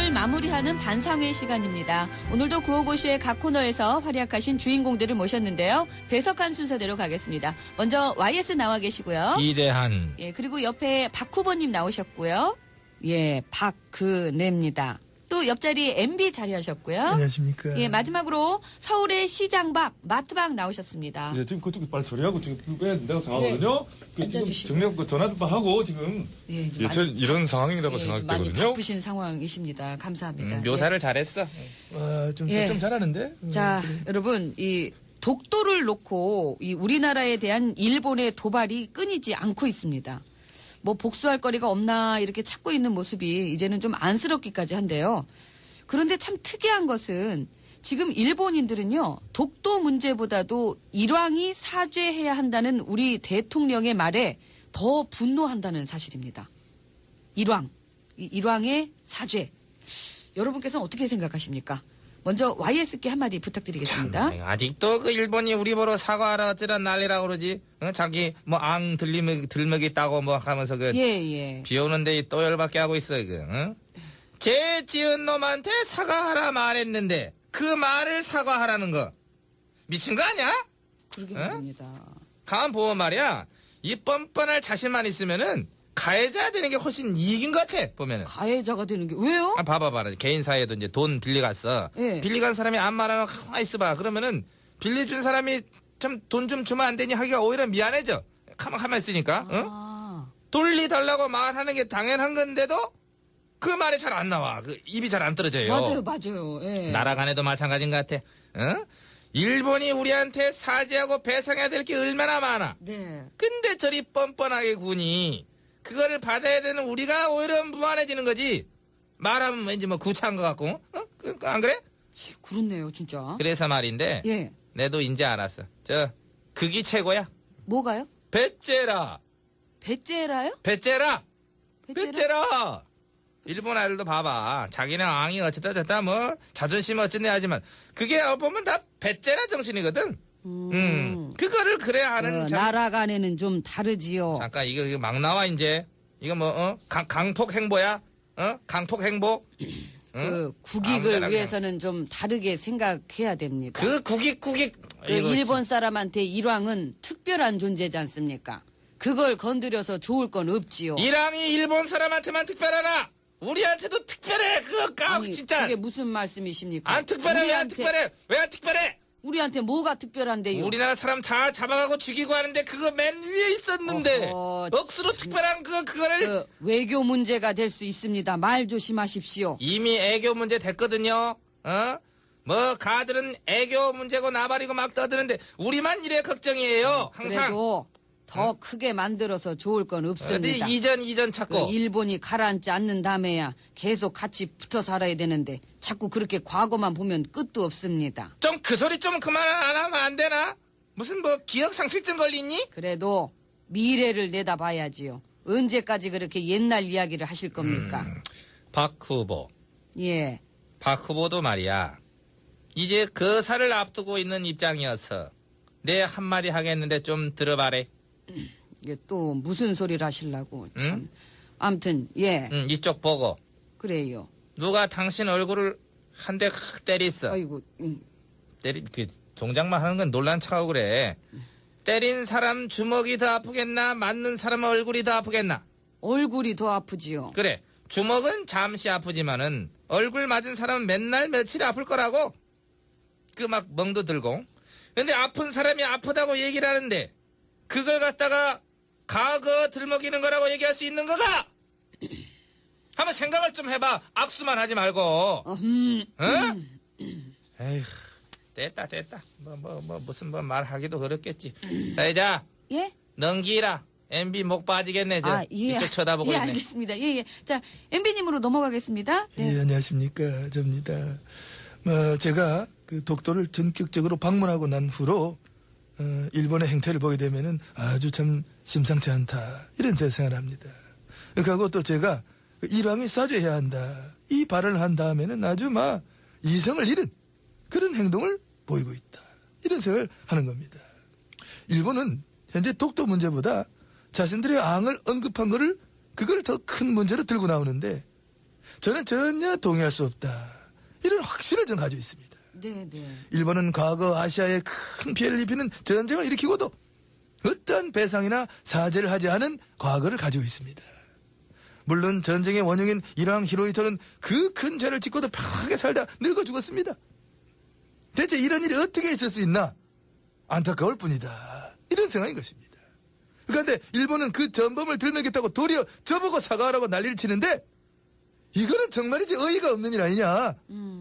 오늘 마무리하는 반상회 시간입니다. 오늘도 구호고쇼의 각 코너에서 활약하신 주인공들을 모셨는데요. 배석한 순서대로 가겠습니다. 먼저 YS 나와 계시고요. 이대한. 예, 그리고 옆에 박 후보님 나오셨고요. 예, 박근혜입니다. 또 옆자리 MB 자리하셨고요. 안녕하십니까. 예, 마지막으로 서울의 시장 밖, 마트 밖 나오셨습니다. 예, 지금 그쪽에 빨리 처리하고 지금 빼야 된다고 생각하거든요. 네. 지금 앉아주시고. 정리하고 전화도 하고 지금. 예, 좀 저 이런 상황이라고 좀 많이 생각되거든요. 바쁘신 상황이십니다. 감사합니다. 묘사를 잘했어. 좀 예. 잘하는데. 자, 그래. 여러분, 이 독도를 놓고 이 우리나라에 대한 일본의 도발이 끊이지 않고 있습니다. 뭐 복수할 거리가 없나 이렇게 찾고 있는 모습이 이제는 좀 안쓰럽기까지 한데요. 그런데 참 특이한 것은 지금 일본인들은요, 독도 문제보다도 일왕이 사죄해야 한다는 우리 대통령의 말에 더 분노한다는 사실입니다. 일왕의 사죄. 여러분께서는 어떻게 생각하십니까? 먼저 YS께 한마디 부탁드리겠습니다. 아직도 그 일본이 우리 보러 사과하라 어쩌란 난리라고 그러지. 자기 뭐 앙 들먹이 있다고 뭐 하면서 그 예. 비 오는데 또 열받게 하고 있어 죄 지은 놈한테 사과하라 말했는데 그 말을 사과하라는 거 미친 거 아니야? 그러게 말입니다. 가만 보면 말이야, 이 뻔뻔할 자신만 있으면은 가해자 되는 게 훨씬 이익인 것 같아. 보면은 가해자가 되는 게 왜요? 봐봐. 개인 사이에도 이제 돈 빌려갔어. 예. 빌려간 사람이 안 말하면 가만히 있어봐. 그러면은 빌려준 사람이 참 돈 좀 주면 안 되니 하기가 오히려 미안해져. 가만히 있으니까. 돌리달라고 말하는 게 당연한 건데도 그 말이 잘 안 나와. 그 입이 잘 안 떨어져요. 맞아요. 예. 나라 간에도 마찬가지인 것 같아. 일본이 우리한테 사죄하고 배상해야 될 게 얼마나 많아. 네. 근데 저리 뻔뻔하게 군이 그거를 받아야 되는 우리가 오히려 무한해지는 거지. 말하면 왠지 뭐 구차한 것 같고. 안 그래? 그렇네요, 진짜. 그래서 말인데 예. 내도 이제 알았어. 극이 최고야. 뭐가요? 배째라. 배째라요? 배째라. 일본 아이들도 봐봐. 자기는 앙이 어쩌다 저쩌다 뭐 자존심은 어쩐네 하지만 그게 보면 다 배째라 정신이거든. 그거를 그래야 하는 나라 간에는 좀 다르지요. 잠깐 이거 막 나와 이제. 이거 뭐 강폭 행보야? 강폭 행보? 그 국익을 위해서는 좀 다르게 생각해야 됩니다. 그 국익. 그 일본 사람한테 일왕은 특별한 존재지 않습니까? 그걸 건드려서 좋을 건 없지요. 일왕이 일본 사람한테만 특별하나? 우리한테도 특별해. 그거 아니, 진짜. 그게 무슨 말씀이십니까? 안 특별해. 왜 안 특별해? 왜 안 특별해? 우리한테 뭐가 특별한데요? 우리나라 사람 다 잡아가고 죽이고 하는데 그거 맨 위에 있었는데 억수로 특별한 그거를 그 외교 문제가 될 수 있습니다. 말 조심하십시오. 이미 애교 문제 됐거든요. 뭐 가들은 애교 문제고 나발이고 막 떠드는데 우리만 이래 걱정이에요. 항상. 그래도 더 크게 만들어서 좋을 건 없습니다. 어디 이전 찾고. 그 일본이 가라앉지 않는 다음에야 계속 같이 붙어 살아야 되는데 자꾸 그렇게 과거만 보면 끝도 없습니다. 좀 그 소리 좀 그만 안 하면 안 되나? 무슨 뭐 기억상실증 걸리니? 그래도 미래를 내다봐야지요. 언제까지 그렇게 옛날 이야기를 하실 겁니까? 박 후보. 예. 박 후보도 말이야. 이제 거사를 앞두고 있는 입장이어서 내 한마디 하겠는데 좀 들어봐래. 이게 또 무슨 소리를 하시려고 참. 아무튼 예. 이쪽 보고. 그래요. 누가 당신 얼굴을 한 대 확 때렸어. 아이고. 그 동작만 하는 건 놀란 척하고 그래. 때린 사람 주먹이 더 아프겠나? 맞는 사람 얼굴이 더 아프겠나? 얼굴이 더 아프지요. 그래. 주먹은 잠시 아프지만은 얼굴 맞은 사람은 맨날 며칠 아플 거라고. 그 막 멍도 들고. 근데 아픈 사람이 아프다고 얘기를 하는데 그걸 갖다가 과거 들먹이는 거라고 얘기할 수 있는 거가? 한번 생각을 좀 해봐. 악수만 하지 말고. 에휴, 됐다. 무슨 말하기도 그렇겠지. 사회자. 예? 넘기라. MB 목 빠지겠네. 이쪽 쳐다보고 예, 있네. 알겠습니다. 예. 자, MB님으로 넘어가겠습니다. 네. 예, 안녕하십니까. 접니다. 제가 그 독도를 전격적으로 방문하고 난 후로 일본의 행태를 보게 되면은 아주 참 심상치 않다. 이런 제 생각을 합니다. 그리고 또 제가 일왕이 사죄해야 한다. 이 발언을 한 다음에는 아주 막 이성을 잃은 그런 행동을 보이고 있다. 이런 생각을 하는 겁니다. 일본은 현재 독도 문제보다 자신들의 앙을 언급한 그걸 더 큰 문제로 들고 나오는데 저는 전혀 동의할 수 없다. 이런 확신을 전 가지고 있습니다. 네, 네. 일본은 과거 아시아에 큰 피해를 입히는 전쟁을 일으키고도 어떠한 배상이나 사죄를 하지 않은 과거를 가지고 있습니다. 물론 전쟁의 원흉인 일왕 히로히토는 그 큰 죄를 짓고도 편하게 살다 늙어 죽었습니다. 대체 이런 일이 어떻게 있을 수 있나? 안타까울 뿐이다. 이런 생각인 것입니다. 그런데 일본은 그 전범을 들먹였다고 도리어 저보고 사과하라고 난리를 치는데 이거는 정말이지 어이가 없는 일 아니냐?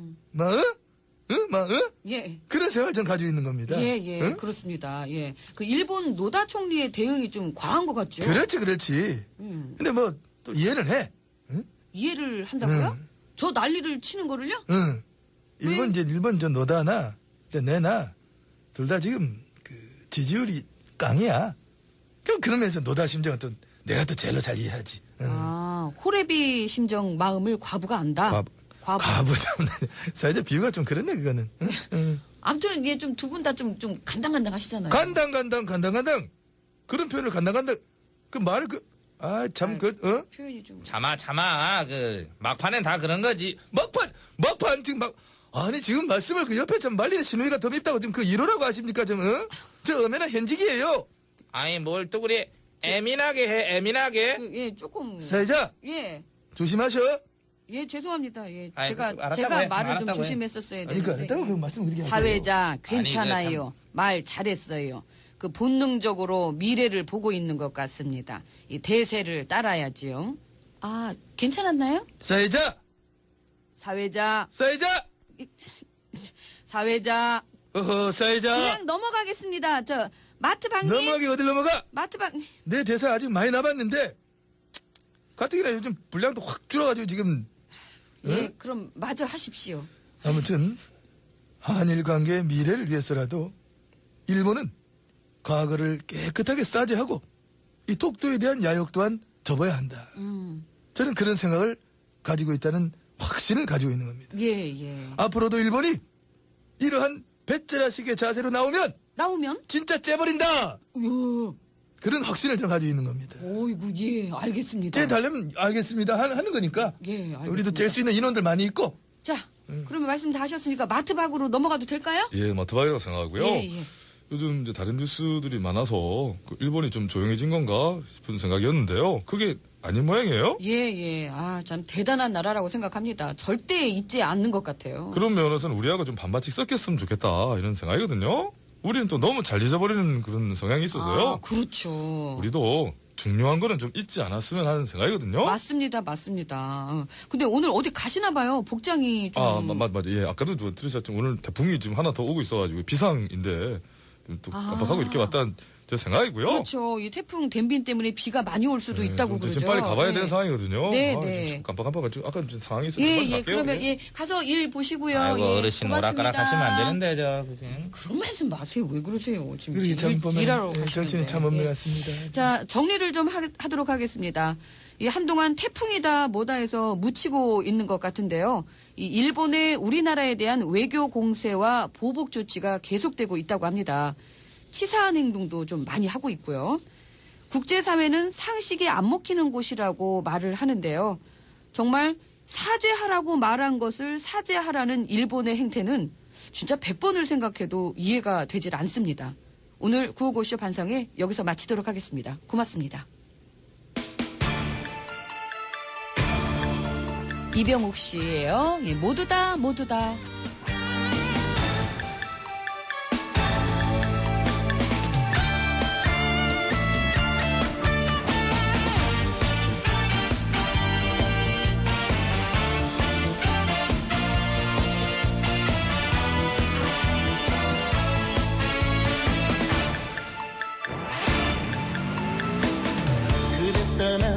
예. 그런 생각을 전 가지고 있는 겁니다. 예, 예, 응? 그렇습니다. 예. 그 일본 노다 총리의 대응이 좀 과한 것 같죠? 그렇지. 근데 뭐, 또 이해는 해. 응? 이해를 한다고요? 저 난리를 치는 거를요? 응. 일본 저 노다나, 내나, 둘 다 지금, 지지율이 깡이야. 그러면서 노다 심정은 또, 내가 또 제일로 잘 이해하지. 응. 아, 호레비 심정 마음을 과부가 안다. 과부. 사회적 비유가 좀 그렇네, 그거는. 응? 응. 아무튼, 예, 좀 두 분 다 좀 간당간당 하시잖아요. 간당. 그런 표현을 간당. 그 말을 표현이 좀. 참아. 막판엔 다 그런 거지. 막판 지금 아니 지금 말씀을 그 옆에 참 말리는 신우이가 더 밉다고 지금 그 1호라고 하십니까 좀 저 엄연한 현직이에요. 아니, 뭘 또 그래. 애민하게 해, 애민하게. 예, 조금. 사회자 예. 조심하셔. 예, 죄송합니다. 예, 아이, 제가 알았다고 해. 말을 좀 알았다고 해. 조심했었어야 아니 되는데. 그 알았다고 그 말씀 그렇게 하세요. 사회자 괜찮아요. 참. 말 잘했어요. 그 본능적으로 미래를 보고 있는 것 같습니다. 이 대세를 따라야지요. 아, 괜찮았나요? 사회자 사회자. 어허 사회자 그냥 넘어가겠습니다. 저 마트방님. 넘어가기 어딜 넘어가. 마트방. 내 대사 아직 많이 남았는데 가뜩이나 요즘 분량도 확 줄어가지고 지금 예, 그럼 마저 하십시오. 아무튼 한일 관계의 미래를 위해서라도 일본은 과거를 깨끗하게 싸제하고 이 독도에 대한 야욕 또한 접어야 한다. 저는 그런 생각을 가지고 있다는 확신을 가지고 있는 겁니다. 예, 예. 앞으로도 일본이 이러한 배째라식의 자세로 나오면 나오면? 진짜 째버린다. 요. 그런 확신을 저 가지고 있는 겁니다. 오이구, 예, 알겠습니다. 째 달려면 알겠습니다 하는 거니까. 예, 알겠습니다. 우리도 뗄 수 있는 인원들 많이 있고. 자, 그러면 말씀 다 하셨으니까 마트박으로 넘어가도 될까요? 예, 마트박이라고 생각하고요. 예, 예. 요즘 이제 다른 뉴스들이 많아서 그 일본이 좀 조용해진 건가 싶은 생각이었는데요. 그게 아닌 모양이에요. 예, 예. 아, 참 대단한 나라라고 생각합니다. 절대 잊지 않는 것 같아요. 그런 면에서는 우리하고 좀 반반씩 섞였으면 좋겠다 이런 생각이거든요. 우리는 또 너무 잘 잊어버리는 그런 성향이 있어서요. 아, 그렇죠. 우리도 중요한 거는 좀 잊지 않았으면 하는 생각이거든요. 맞습니다. 근데 오늘 어디 가시나 봐요. 복장이 좀. 맞. 예, 아까도 들으셨죠. 오늘 태풍이 지금 하나 더 오고 있어가지고 비상인데 또 깜빡하고 이렇게 왔다는 제 생각이고요. 그렇죠. 이 태풍 댐빈 때문에 비가 많이 올 수도 있다고 좀 그러죠. 지금 빨리 가봐야 예. 되는 상황이거든요. 네, 아, 네. 좀 깜빡해가지고 아까 좀 상황이 있어서 예, 빨리 예. 갈게요. 그러면 예. 예, 가서 일 보시고요. 아이고, 예, 어르신 고맙습니다. 오락가락 하시면 안 되는데, 그냥. 그런 말씀 마세요. 왜 그러세요? 지금 그러게 참 보면 일하러 예, 가시는데. 정신이 참 없는 예. 것 같습니다. 자, 정리를 좀 하도록 하겠습니다. 이 한동안 태풍이다 뭐다 해서 묻히고 있는 것 같은데요. 이 일본의 우리나라에 대한 외교 공세와 보복 조치가 계속되고 있다고 합니다. 치사한 행동도 좀 많이 하고 있고요. 국제사회는 상식이 안 먹히는 곳이라고 말을 하는데요. 정말 사죄하라고 말한 것을 사죄하라는 일본의 행태는 진짜 100번을 생각해도 이해가 되질 않습니다. 오늘 구호고쇼 반성회 여기서 마치도록 하겠습니다. 고맙습니다. 이병욱 씨예요. 예, 모두다. 그대 떠나